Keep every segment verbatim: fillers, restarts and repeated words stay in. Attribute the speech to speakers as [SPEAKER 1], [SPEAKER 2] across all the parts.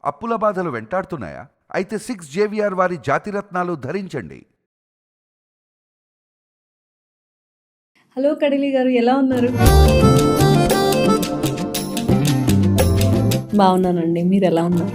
[SPEAKER 1] అప్పుల బాధలు వెంటాడుతున్నాయా? అయితే సిక్స్ జేవిఆర్ వారి జాతిరత్నాలు ధరించండి.
[SPEAKER 2] హలో కడిలి గారు, ఎలా ఉన్నారు?
[SPEAKER 3] బాగున్నానండి, మీరు ఎలా ఉన్నారు?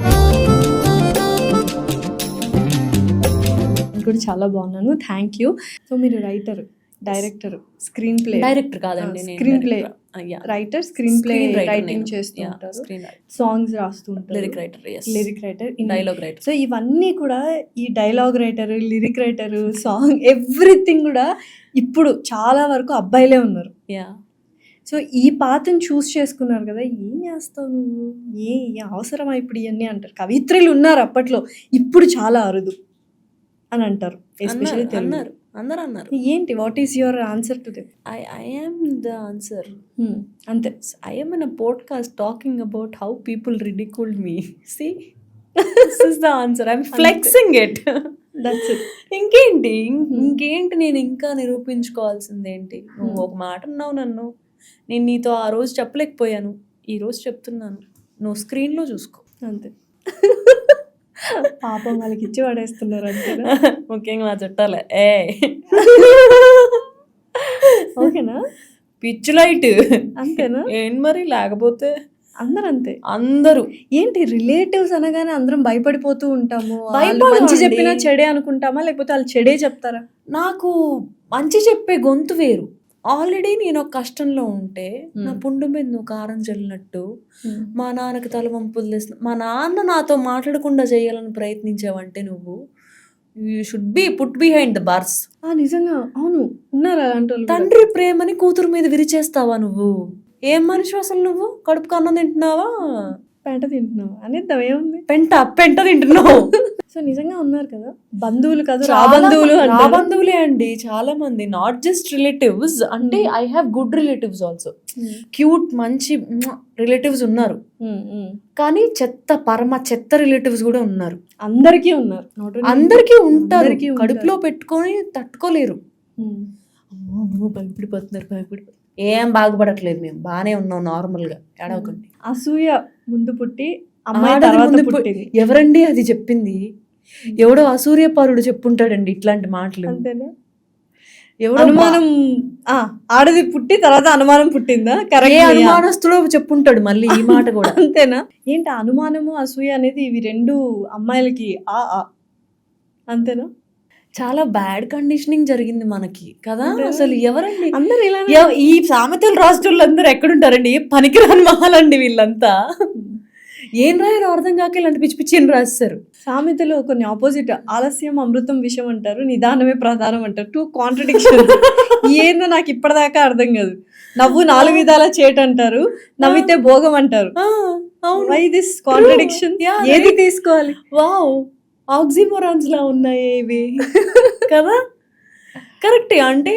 [SPEAKER 2] నేను కూడా చాలా బాగున్నాను, థ్యాంక్ యూ. సో మీరు writer, director, screenplay
[SPEAKER 3] director కాదండి,
[SPEAKER 2] screenplay writer, screenplay writing చేస్తూ ఉంటారు, సాంగ్స్ రాస్తూ ఉంటారు,
[SPEAKER 3] lyric writer,
[SPEAKER 2] lyric writer,
[SPEAKER 3] dialogue writer.
[SPEAKER 2] So ఇవన్నీ కూడా, ఈ dialogue writer, lyric writer, song, everything కూడా ఇప్పుడు చాలా వరకు అబ్బాయిలే ఉన్నారు.
[SPEAKER 3] యా
[SPEAKER 2] సో ఈ పాత్రను చూస్ చేసుకున్నారు కదా, ఏం చేస్తావు నువ్వు, ఏ ఏ అవసరమా ఇప్పుడు ఇవన్నీ అంటారు. కవిత్రులు ఉన్నారు అప్పట్లో, ఇప్పుడు చాలా అరుదు అని అంటారు, ఎస్పెషల్లీ
[SPEAKER 3] అన్నారు, అందరు అన్నారు.
[SPEAKER 2] ఏంటి, what is your answer to them?
[SPEAKER 3] I I am the answer.
[SPEAKER 2] అంతే.
[SPEAKER 3] I am in a podcast talking about how people ridiculed me. See, this is the answer. I am flexing it.
[SPEAKER 2] That's it.
[SPEAKER 3] ఇంకేంటి ఇంకేంటి నేను ఇంకా నిరూపించుకోవాల్సింది ఏంటి? నువ్వు ఒక మాట అన్నావు నన్ను, నేను నీతో ఆ రోజు చెప్పలేకపోయాను, ఈ రోజు చెప్తున్నాను, నువ్వు స్క్రీన్లో చూసుకో.
[SPEAKER 2] అంతే. పాపం వాళ్ళకి ఇచ్చి పడేస్తున్నారు అంతే.
[SPEAKER 3] ముఖ్యంగా మా చుట్టాలే. ఏ
[SPEAKER 2] ఓకేనా,
[SPEAKER 3] పిచ్ లైట్
[SPEAKER 2] అంతేనా?
[SPEAKER 3] ఏంటి మరి, లేకపోతే
[SPEAKER 2] అందరు అంతే.
[SPEAKER 3] అందరూ
[SPEAKER 2] ఏంటి, రిలేటివ్స్ అనగానే అందరం భయపడిపోతూ ఉంటాము.
[SPEAKER 3] భయపడమండి.
[SPEAKER 2] మంచి చెప్పినా చెడే అనుకుంటామా, లేకపోతే వాళ్ళు చెడే చెప్తారా?
[SPEAKER 3] నాకు మంచి చెప్పే గొంతు వేరు. ఆల్రెడీ నేను ఒక కష్టంలో ఉంటే నా పుండు మీద నువ్వు కారం చల్లినట్టు మా నాన్నకి తల వంపులు తెస్తున్నా, మా నాన్న నాతో మాట్లాడకుండా చేయాలని ప్రయత్నించావంటే నువ్వు you should be put behind the bars.
[SPEAKER 2] నిజంగా, అవును, ఉన్నారు అలాంటి వాళ్ళు.
[SPEAKER 3] తండ్రి ప్రేమని కూతురు మీద విరిచేస్తావా నువ్వు? ఏం మనిషి అసలు నువ్వు? కడుపుకు అన్నం తింటున్నావా,
[SPEAKER 2] పెంట తింటున్నావు అనేద్దాం, ఏముంది,
[SPEAKER 3] పెంట పెంట తింటున్నావు.
[SPEAKER 2] సో నిజంగా ఉన్నారు కదా బంధువులు కదా, రా
[SPEAKER 3] చాలా
[SPEAKER 2] బంధువులు
[SPEAKER 3] రా
[SPEAKER 2] అంటారు.
[SPEAKER 3] బంధువులే అండి చాలా మంది, నాట్ జస్ట్ రిలేటివ్స్. అంటే I have good relatives also, cute మంచి రిలేటివ్స్ ఉన్నారు, కానీ చెత్త పరమ చెత్త రిలేటివ్స్ కూడా ఉన్నారు.
[SPEAKER 2] అందరికీ ఉన్నారు,
[SPEAKER 3] అందరికీ ఉంటారు, కడుపులో పెట్టుకొని తట్టుకోలేరు. భయపడిపోతున్నారు భయపడిపోతున్నారు ఏం బాగుపడట్లేదు, మేము బాగానే ఉన్నాం నార్మల్ గా, ఏడవకండి.
[SPEAKER 2] అసూయ ముందు పుట్టి అమ్మాయి తర్వాత పుట్టింది.
[SPEAKER 3] ఎవరండి అది చెప్పింది? ఎవడో అసూర్యపరుడు చెప్పుంటాడండి ఇట్లాంటి మాటలు.
[SPEAKER 2] అంతేనా? అనుమానం, ఆడది పుట్టి తర్వాత అనుమానం పుట్టిందా? కరెక్ట్.
[SPEAKER 3] అనుమానస్తుడు చెప్పుంటాడు మళ్ళీ ఈ మాట కూడా.
[SPEAKER 2] అంతేనా? ఏంటి, అనుమానము అసూయ అనేది ఇవి రెండు అమ్మాయిలకి ఆ అంతేనా?
[SPEAKER 3] చాలా బ్యాడ్ కండిషనింగ్ జరిగింది మనకి కదా. అసలు ఎవరండి
[SPEAKER 2] అందరు ఇలా,
[SPEAKER 3] ఈ సామెతలు రాష్ట్రాలు అందరూ ఎక్కడుంటారండి? పనికిరాని మహాలండి వీళ్ళంతా. ఏం రాయాలో అర్థం కాక ఇలాంటి పిచ్చి పిచ్చి ఏం రాస్తారు.
[SPEAKER 2] సామెతలు కొన్ని ఆపోజిట్, ఆలస్యం అమృతం విషయం అంటారు, నిదానమే ప్రధానం అంటారు. Two contradiction. ఏందో నాకు ఇప్పటిదాకా అర్థం కాదు. నవ్వు నాలుగు విధాల చేట అంటారు, నవ్వితే భోగం అంటారు. Why this contradiction? ఏది తీసుకోవాలి?
[SPEAKER 3] వావ్, ఆక్సిమోరాన్స్ లా ఉన్నాయి ఇవి కదా. కరెక్టే. అంటే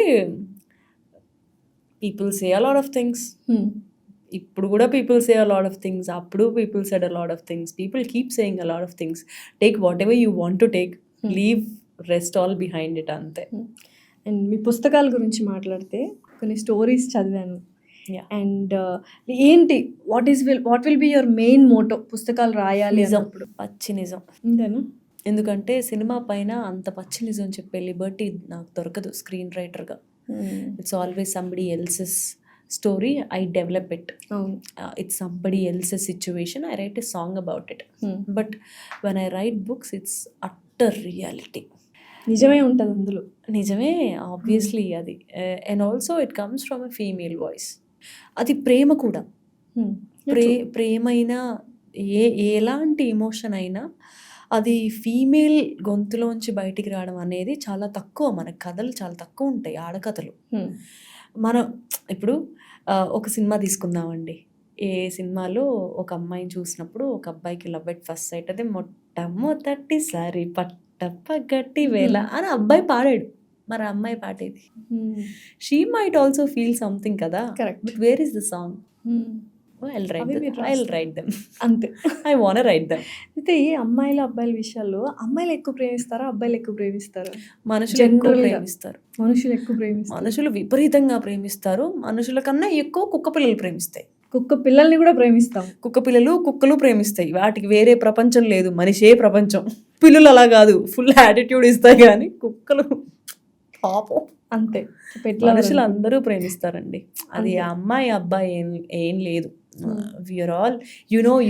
[SPEAKER 3] people say a lot of things. ఇప్పుడు కూడా people say a lot of things, అప్పుడు people said a lot of things. People keep saying a lot of things. Take whatever you want to take, leave rest all behind it, అంతే.
[SPEAKER 2] And మీ పుస్తకాల గురించి మాట్లాడితే కొన్ని stories చదివాను. And ఏంటి, what is will what will be your main motto పుస్తకాలు రాయాలి అన్నప్పుడు?
[SPEAKER 3] పచ్చి నిజం.
[SPEAKER 2] అంతేనా?
[SPEAKER 3] ఎందుకంటే సినిమా పైన అంత పచ్చి నిజం చెప్పే లిబర్టీ నాకు దొరకదు స్క్రీన్ రైటర్గా. It's always somebody else's story, I develop it. It's somebody else's situation, I write a song about it. But when I write books it's utter reality.
[SPEAKER 2] నిజమే ఉంటుంది అందులో.
[SPEAKER 3] నిజమే, ఆబ్వియస్లీ అది. And also it comes from a female voice. అది ప్రేమ కూడా. ప్రే ప్రేమైనా ఏ ఎలాంటి emotion అయినా అది ఫీమేల్ గొంతులోంచి బయటికి రావడం అనేది చాలా తక్కువ. మన కథలు చాలా తక్కువ ఉంటాయి, ఆడకథలు. మనం ఇప్పుడు ఒక సినిమా తీసుకుందామండి. ఏ సినిమాలో ఒక అమ్మాయిని చూసినప్పుడు ఒక అబ్బాయికి లవ్ ఎట్ ఫస్ట్ సైట్, అదే మొట్టమొదటిసారి పట్టప్ప గట్టి వేళ అని అబ్బాయి పాడాడు, మరి అమ్మాయి పాడేది. She might also feel something కదా.
[SPEAKER 2] Correct.
[SPEAKER 3] But where is the song? I'll write them. I'll write them.
[SPEAKER 2] అంతే.
[SPEAKER 3] I wanna write them.
[SPEAKER 2] అయితే ఈ అమ్మాయిల అబ్బాయిల విషయాల్లో అమ్మాయిలు ఎక్కువ ప్రేమిస్తారా, అబ్బాయిలు ఎక్కువ ప్రేమిస్తారా?
[SPEAKER 3] మనుషులు ఎక్కువ ప్రేమిస్తారు.
[SPEAKER 2] మనుషులు ఎక్కువ ప్రేమిస్తారు.
[SPEAKER 3] మనుషులు విపరీతంగా ప్రేమిస్తారు. మనుషుల కన్నా ఎక్కువ కుక్క పిల్లలు ప్రేమిస్తాయి.
[SPEAKER 2] కుక్క పిల్లల్ని కూడా ప్రేమిస్తాం.
[SPEAKER 3] కుక్క పిల్లలు కుక్కలు ప్రేమిస్తాయి, వాటికి వేరే ప్రపంచం లేదు, మనిషే ప్రపంచం. పిల్లలు అలా కాదు, ఫుల్ యాటిట్యూడ్ ఇస్తాయి, కానీ కుక్కలు పాపం
[SPEAKER 2] అంతే.
[SPEAKER 3] మనుషులు అందరూ ప్రేమిస్తారండి. అది అమ్మాయి అబ్బాయి ఏం ఏం లేదు. We are all you know